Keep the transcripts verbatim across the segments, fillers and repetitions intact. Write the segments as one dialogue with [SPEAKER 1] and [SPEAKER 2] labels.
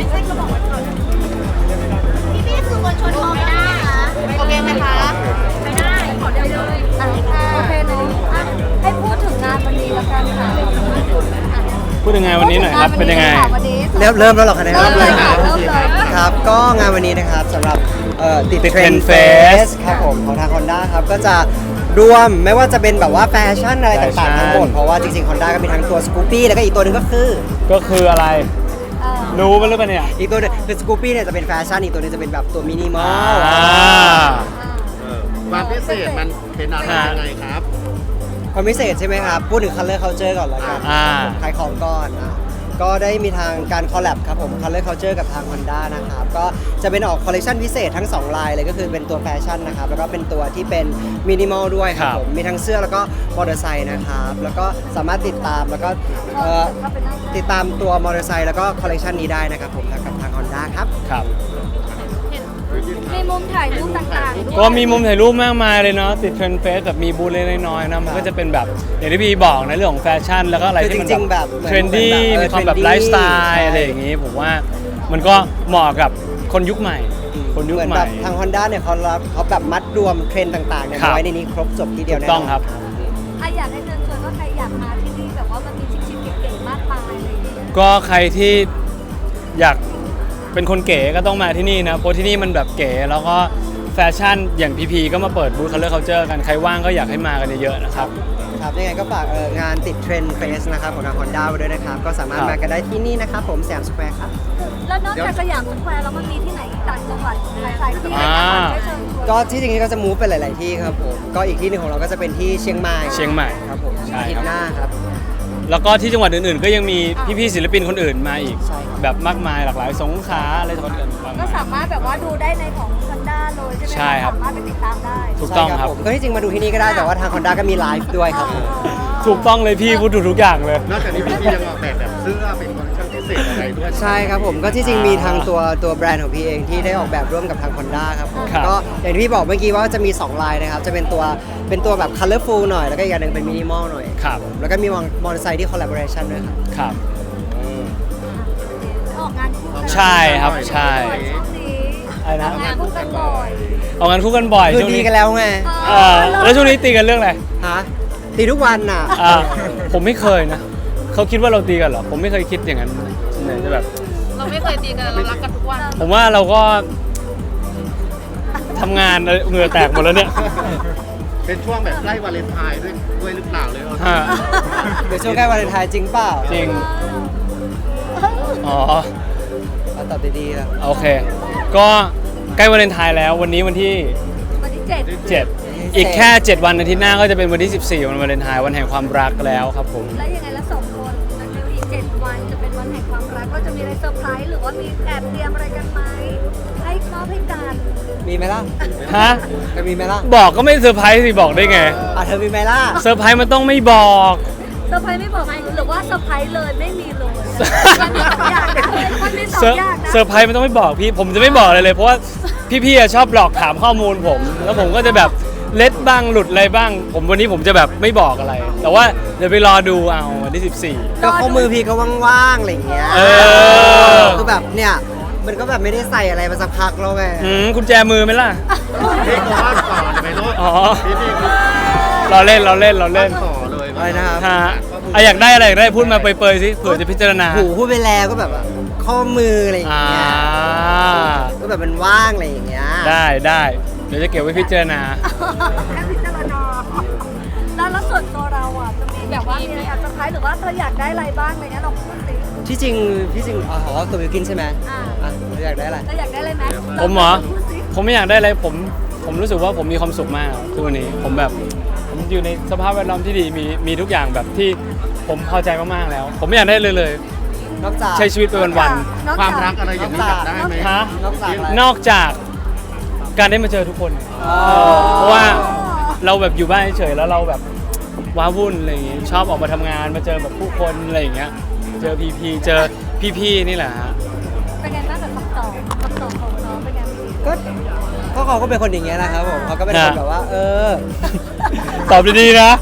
[SPEAKER 1] ไม่ใช่กระบอกไว้ก่อนพี่พี่คือคนชนมองไม่ได้ค่ะโอเคไหมคะไม่ได้ขอเดียวเลยอ่ะโอเคเนาะให้พูดถึงงานวันนี้แล้วกันค่ะ
[SPEAKER 2] พูดยังไงวันนี้หน่อยครับเป็นยังไง
[SPEAKER 3] เริ่มเริ่มแล้วหรอคะเนี่ย
[SPEAKER 1] เริ่มเลยค่ะเริ่มเลย
[SPEAKER 3] ครับก็งานวันนี้นะครับสำหรับเอ่อติด
[SPEAKER 2] ติด
[SPEAKER 3] เทรน
[SPEAKER 2] Trend
[SPEAKER 3] ด์เฟ
[SPEAKER 2] Fest
[SPEAKER 3] สครับผมของทาง Honda ครับก็จะรวมไม่ว่าจะเป็นแบบว่าแฟชั่นอะไรต่างๆทั้งหมดเพราะว่าจริงๆ Honda ก็มีทั้งตัว Scoopy แล้วก็อีกตัวหนึงก็คือ
[SPEAKER 2] ก็คืออะไรรู้มั้ยหรือเปล่าเนี่ย
[SPEAKER 3] อีกตัวหนึงคือ Scoopy เนี่ยจะเป็นแฟชั่นอีกตัวหนึงจะเป็นแบบตัวมินิมอล
[SPEAKER 2] อ่า
[SPEAKER 4] ความพิเศษมันเป็นอะไรยังไงครับ
[SPEAKER 3] ความพิเศษใช่ไหมครับพูดถึง Color Culture ก่อนแล้วกัน
[SPEAKER 2] อ่า
[SPEAKER 3] ขายของก่อนอ่ะก็ได้มีทางการคอลแลบครับผม Color Culture กับทาง Honda นะครับก็จะเป็นออกคอลเลคชันพิเศษทั้งสองลายเลยก็คือเป็นตัวแฟชั่นนะครับแล้วก็เป็นตัวที่เป็นมินิมอลด้วยครับผมมีทั้งเสื้อแล้วก็มอเตอร์ไซค์นะครับแล้วก็สามารถติดตามแล้วก็เอ่อติดตามตัวมอเตอร์ไซค์แล้วก็คอลเลคชันนี้ได้นะครับผมกับทาง Honda ครับ
[SPEAKER 2] ครับ
[SPEAKER 1] มีมุมถ่ายรูปต่างๆด้วย
[SPEAKER 2] ก็มีมุมถ่ายรูปมากมายเลยเนาะติดเทรนด์เฟสแบบมีบูธเล็กๆน้อยๆนะมันก็จะเป็นแบบอย่างที่พี่บอกในเรื่องของแฟชั่นแล้วก็อะไร
[SPEAKER 3] คือ
[SPEAKER 2] ที่มัน
[SPEAKER 3] จริงๆแบบ
[SPEAKER 2] เทรนดี้
[SPEAKER 3] เหมือนแบบเออ
[SPEAKER 2] มีความแบบ
[SPEAKER 3] trendy
[SPEAKER 2] ไลฟ์สไต
[SPEAKER 3] ใช่
[SPEAKER 2] ล์อะไรอย่างงี้ผมว่ามันก็เหมาะกับคนยุคใหม่ คนยุค
[SPEAKER 3] เหมือน
[SPEAKER 2] ให
[SPEAKER 3] แบ
[SPEAKER 2] ม่
[SPEAKER 3] บทาง Honda เนี่ยเขารับเขาแบบมัดรวมเทรนด์ต่างๆเนี่ย
[SPEAKER 2] ครับ
[SPEAKER 3] ไว้ในนี้ครบจบทีเดียว
[SPEAKER 2] ถู
[SPEAKER 3] แน่
[SPEAKER 2] ก
[SPEAKER 3] น
[SPEAKER 2] ต้
[SPEAKER 3] อ
[SPEAKER 2] อง
[SPEAKER 3] น
[SPEAKER 2] ครับ
[SPEAKER 1] อ่ะอยากให้เชิญชวนว่าใครอยากมาที่นี่แบบว่ามันมีชิคๆเก๋ๆมากมายอะไรอย่างเงี้ย
[SPEAKER 2] ก็ใครที่อยากเป็นคนเก๋ก็ต้องมาที่นี่นะเพราะที่นี่มันแบบเก๋แล้วก็แฟชั่นอย่างพีพีก็มาเปิดบูธ Color Culture กันใครว่างก็อยากให้มากันเยอะๆนะครับ
[SPEAKER 3] ครับยังไงก็ฝากเอ่องานติดเทรนด์เฟสนะครับของทาง Honda ไว้ด้วยนะครับก็สามารถ
[SPEAKER 2] ครับ
[SPEAKER 3] มากันได้ที่นี่นะครับผมแสยามสแควร์ครับ
[SPEAKER 1] แล้วนอกจากสยามสแควร์แล้วมันมีที่ไหนอีกต่างจังหวัดหลายๆที่
[SPEAKER 2] อ่า
[SPEAKER 1] ให้เชิญชวน
[SPEAKER 3] ก็ที่จริงๆก็จะมูฟไปหลาย ๆ ที่ครับผมก็อีกที่หนึ่งของเราก็จะเป็นที่เชียงใหม่
[SPEAKER 2] เชียงใหม่
[SPEAKER 3] ครับผม
[SPEAKER 2] ใช่
[SPEAKER 3] อาทิต
[SPEAKER 2] ครับ
[SPEAKER 3] ย์หน้าครับ
[SPEAKER 2] แล้วก็ที่จังหวัดอื่นๆ ก็ยังมีพี่ๆศิลปินคนอื่นมาอีก
[SPEAKER 3] ใช่ครับ
[SPEAKER 2] แบบมากมายหลากหลายสงขลาอะไรต่างๆ
[SPEAKER 1] ก็สามารถแบบว่าดูได้ในของ Honda เลยใช่ไหมะ
[SPEAKER 2] ใช่ครับ
[SPEAKER 1] สามารถไปติดตามได้
[SPEAKER 2] ถูกต้อง
[SPEAKER 3] ใช่
[SPEAKER 2] ครับ
[SPEAKER 3] ผมก็ที่จริงมาดูที่นี่ก็ได้แต่ว่าทาง Honda ก็มีไลฟ์ด้วยครับผม
[SPEAKER 2] ถูกต้องเลยพี่พูดถูกทุกอย่างเลย
[SPEAKER 4] นอกจากนี้พี่พี่ยังออกแบบแบบเสื้อเป็นคอลเลคชั่นพิเศษอะไรด้วย
[SPEAKER 3] ใช่ครับผมก็ที่จริงมีทางตัวตัวแบรนด์ของพี่เองที่ได้ออกแบบร่วมกับทาง Honda ครับผม
[SPEAKER 2] ครับ
[SPEAKER 3] ก็อย่างที่พี่บอกเมื่อกี้ว่าจะมีสองลายนะครับจะเป็นตัวเป็นตัวแบบ colorful หน่อยแล้วก็อีกอย่างหนึ่งเป็นมินิมอลหน่อย
[SPEAKER 2] ครับ
[SPEAKER 3] แล้วก็มีมอเตอร์ไซค์ที่ collaboration ด้วยครับ
[SPEAKER 2] ครับ
[SPEAKER 1] ออกงานคู่กัน
[SPEAKER 2] ใช่ครับใช่
[SPEAKER 1] ช่วงนี้
[SPEAKER 2] อะไรนะ
[SPEAKER 1] ออกงานคู่กันบ่อย
[SPEAKER 2] ออกงานคู่กันบ่อย
[SPEAKER 3] คือ
[SPEAKER 2] ช่วง
[SPEAKER 3] ดี
[SPEAKER 2] นี้
[SPEAKER 3] กันแล้วไง
[SPEAKER 2] เออแล้วช่วงนี้ตีกันเรื่องอะไร
[SPEAKER 3] ฮะตีทุกวันน่ะ
[SPEAKER 2] อ่าผมไม่เคยนะเขาคิดว่าเราตีกันเหรอผมไม่เคยคิดอย่างนั้นส่วนใหญ่จะแบบ
[SPEAKER 1] เราไม่เคยตีกันเรารักกันทุกวัน
[SPEAKER 2] ผมว่าเราก็ทำงานเหงื่อแตกหมดแล้วเนี่ย
[SPEAKER 4] เป็นช่วงแบบใกล้วาเลนไทน์ด้วยด้วยหรือเปล่าเลย
[SPEAKER 2] ฮะ
[SPEAKER 3] เดี๋ยวช่วงใกล้วาเลนไทน์จริงเปล่า
[SPEAKER 2] จริงอ๋อ
[SPEAKER 3] เอาตอบดีๆครับ
[SPEAKER 2] โอเค ก็ใกล้วาเลนไทน์แล้ววันนี้วันที่
[SPEAKER 1] วันที่เจ็ด
[SPEAKER 2] เจ็ดอีกแค่ เจ็ด วันอาทิตย์หน้าก็จะเป็นวันที่ สิบสี่ วันวาเลนไทน์วันแห่งความรักแล้วครับผม
[SPEAKER 1] แล้วยังไงแล้วสองคนในอีกเจ็ดวันจะเป็นวันแห่งความรักก็จะมีอะไรเซอร์ไพรส์หรือว่ามีแอบเตรียมอะไรกันไหมให้มอบให้กัน
[SPEAKER 3] มีไหมล่ะ
[SPEAKER 2] ฮะ
[SPEAKER 3] จะมีไหมล่ะ
[SPEAKER 2] บอกก็ไม่เซอร์ไพรส์สิบอกได้ไง
[SPEAKER 3] อ่ะเธอมีไหมล่ะ
[SPEAKER 2] เซอร์ไพรส์มันต้องไม่บอก
[SPEAKER 1] เซอร์ไพรส์ไม่บอกไหมหรือว่าเซอร์ไพรส์เลยไม่มีเลยมันมีสองอย่างนะมันมีสอ
[SPEAKER 2] เซอง ร์
[SPEAKER 1] อย่างนะ
[SPEAKER 2] เซอร์ไพรส์มันต้องไม่บอกพี่ ผมจะไม่บอกอะไรเลย เพราะว่าพี่ๆอะชอบหลอกถามข้อมูลผม แล้วผมก็จะแบบเล็ดบ้างหลุดอะไรบ้าง ผมวันนี้ผมจะแบบไม่บอกอะไร แต่ว่าเดี๋ยวไปรอดูเอาวันที่ สิบสี่
[SPEAKER 3] ก็ข้อมือพี่ก็ว่างๆอะไรอย่างเงี้ย
[SPEAKER 2] เออ
[SPEAKER 3] คือแบบเนี่ยมันก็แบบไม่ได้ใส่อะไรมาสักพักแล้วไง
[SPEAKER 2] อืมกุญแจมือไหมล่ะ
[SPEAKER 4] พี่เขาว่าต่อเลยไหมลูก
[SPEAKER 2] อ๋อ
[SPEAKER 4] พี่พี่
[SPEAKER 2] เราเล่นเราเล่นเราเล่น
[SPEAKER 4] ต่อเลย
[SPEAKER 3] อะไรนะครับ
[SPEAKER 2] ฮะอ่ะอยากได้อะไรอยากได้พูดมาเปรยๆสิเผื่อจะพิจารณา
[SPEAKER 3] หูพูดไปแล้วก็แบบว่าข้อมืออะไรอย่าง
[SPEAKER 2] อ่า
[SPEAKER 3] เงี้ยก็แบบมันว่างอะไรอย่างเงี้ย
[SPEAKER 2] ได้ได้เดี๋ยวจะเก็บไว้พิจารณา
[SPEAKER 1] แค่พิจารณาแล้วแล้วส่วนตัวเราอ่ะจะมีแบบว่ามีอะไรอยากเซอร์ไพรส์หรือว่าเธออยากได้อะไรบ้างอะไรเงี้ยลองพูดสิ
[SPEAKER 3] ที่จริงที่จริงอ๋อตัววิวกินใช่ไหม
[SPEAKER 1] อ่า
[SPEAKER 3] อ่ะเธออยากได้อะไร
[SPEAKER 1] เธออยากได้อะไรไหม
[SPEAKER 2] ผมเหรอ
[SPEAKER 1] พูดสิ
[SPEAKER 2] ผมไม่อยากได้อะไรผมผมรู้สึกว่าผมมีความสุขมากทุกวันนี้ผมแบบผมอยู่ในสภาพแวดล้อมที่ดีมีมีทุกอย่างแบบที่ผมพอใจมากๆแล้ว ผมไม่อยากได้เลยเลย
[SPEAKER 3] นอกจาก
[SPEAKER 2] ใช้ชีวิตไปวัน
[SPEAKER 1] นอก
[SPEAKER 4] ค
[SPEAKER 1] จ
[SPEAKER 4] วามรักอะไรอย่างนี้อยากได้ไหม
[SPEAKER 2] ๆฮะ
[SPEAKER 3] นอกจากอะไร
[SPEAKER 2] นอกจากการได้มาเจอทุกคน
[SPEAKER 3] อ๋อ
[SPEAKER 2] เพราะว่าเราแบบอยู่บ้านเฉยๆแล้วเราแบบว้าวุ่นอะไรอย่างงี้ชอบออกมาทำงานมาเจอแบบผู้คนอะไรอย่างเงี้ยเจอพีพีเจอพี่ๆนี่แหละฮะ
[SPEAKER 1] เป็นไงบ้างกับคำตอบคำตอบของน้องเป็นไง
[SPEAKER 3] ก็ก็เขาก็เป็นคนอย่างเงี้ยนะครับผมเขาก็เป็นคนแบบว่า เออ
[SPEAKER 2] ตอบดีๆนะ
[SPEAKER 3] ก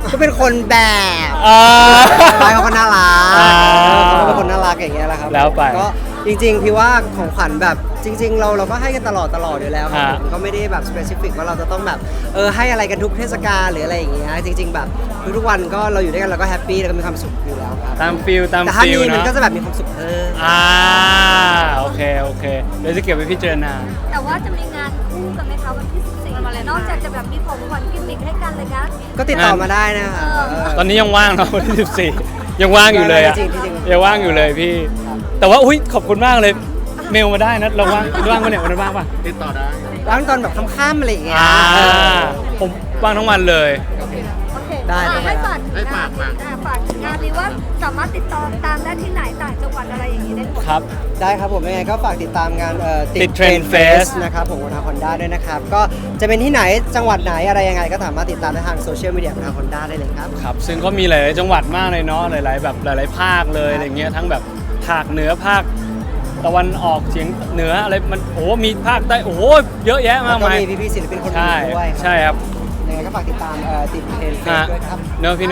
[SPEAKER 3] ก็เป็นคนแบบ
[SPEAKER 2] อ่า
[SPEAKER 3] ไว้เขาก็น่ารัก
[SPEAKER 2] อ่า
[SPEAKER 3] เขาเป็นคนน่ารักอย่างเงี้ยแหละครับ
[SPEAKER 2] แล้วไป
[SPEAKER 3] ก็จริงๆพี่ว่าของขวัญแบบจริง ๆ เราเราก็ให้กันตลอดตลอดอยู่แล้วครับ
[SPEAKER 2] ฮะ
[SPEAKER 3] ผมก็ไม่ได้แบบสเปซิฟิกว่าเราจะต้องแบบเออให้อะไรกันทุกเทศกาลหรืออะไรอย่างเงี้ยจริง ๆ แบบทุกๆวันก็เราอยู่ด้วยกันเราก็แฮปปี้แล้วก็มีความสุขอยู่แล้วครับ
[SPEAKER 2] ตามฟิลตาม
[SPEAKER 3] แต่ถ้า
[SPEAKER 2] ฟิล
[SPEAKER 3] มีมัน
[SPEAKER 2] เนาะ
[SPEAKER 3] ก็จะแบบมีความสุขเพิ่ม
[SPEAKER 2] อ่าโอเคโอเคเดี๋ยวจะเก็บไว้พิจารณา
[SPEAKER 1] แต่ว่าจะมีงานคู่กันไหมคะวันที่สิบสี่นอกจากจะแบบมีของขวัญกิมมิคให้กันเลยนะ
[SPEAKER 3] ก็ติดต่อมาได้นะคะ
[SPEAKER 1] เออ
[SPEAKER 3] เออ
[SPEAKER 2] ตอนนี้ยังว่างเนาะวันที่สิบสี่ยังว่างอยู่เลยอะ
[SPEAKER 3] จริงๆจริงๆ
[SPEAKER 2] ยังว่างอยู่เลยพี่ แต่ว่าอุ้ยขอบคุณมากเลยเมลมาได้นะเราว่างว่างปะเนี่ยวันนั้นว่างปะ
[SPEAKER 4] ติดต่อได้
[SPEAKER 3] ว่างตอนแบบค่ำๆอะไรอย่างเงี้ย
[SPEAKER 2] อ่า
[SPEAKER 3] เออ
[SPEAKER 2] ผมว่างทั้งวันเลย
[SPEAKER 1] โอเค
[SPEAKER 3] ได้
[SPEAKER 1] อ่ะ
[SPEAKER 3] ได้
[SPEAKER 1] ให้ฝากถึง
[SPEAKER 4] ให้
[SPEAKER 1] งา
[SPEAKER 4] ฝาน กฝาก
[SPEAKER 1] อ่ะฝากถึงงานนี้ว่าสามารถติดต่อตามได้ที่ไหนต่างจังหวัดอะไรอย่างนี้ได้หมด
[SPEAKER 2] ครับ
[SPEAKER 3] ได้ครับผมยังไงก็ฝากติดตามงานเอ่อ
[SPEAKER 2] ติด Trend Fest
[SPEAKER 3] นะครับผมของทางฮอนด้าด้วยนะครับ ก็จะเป็นที่ไหนจังหวัดไหนอะไรยังไงก็สามารถติดตามได้ทางโซเชียลมีเดียของทางฮอนด้าได้เลยครับ
[SPEAKER 2] ครับ ซึ่งก็มีหลายๆจังหวัดมากเลยเนาะหลาย ๆ แบบหลาย ๆ ภาคเลยอะไรเงี้ยทั้งแบบภาคเหนือภาคตะวันออกเฉียงเหนืออะไรมันโอ้โหมีภาคใต้โอ้โหเยอะแยะ
[SPEAKER 3] แล้
[SPEAKER 2] มาว ก
[SPEAKER 3] ก็
[SPEAKER 2] มาย
[SPEAKER 3] มีพี่ๆศิลปินคนอื่
[SPEAKER 2] ใช่
[SPEAKER 3] นด้วย
[SPEAKER 2] ใช่ครับ
[SPEAKER 3] ยังไงก็ฝากติดตามเอ่อติดเทรนด์เฟซ
[SPEAKER 2] ฮะ
[SPEAKER 3] ด้วยครับ
[SPEAKER 2] เนอะพี่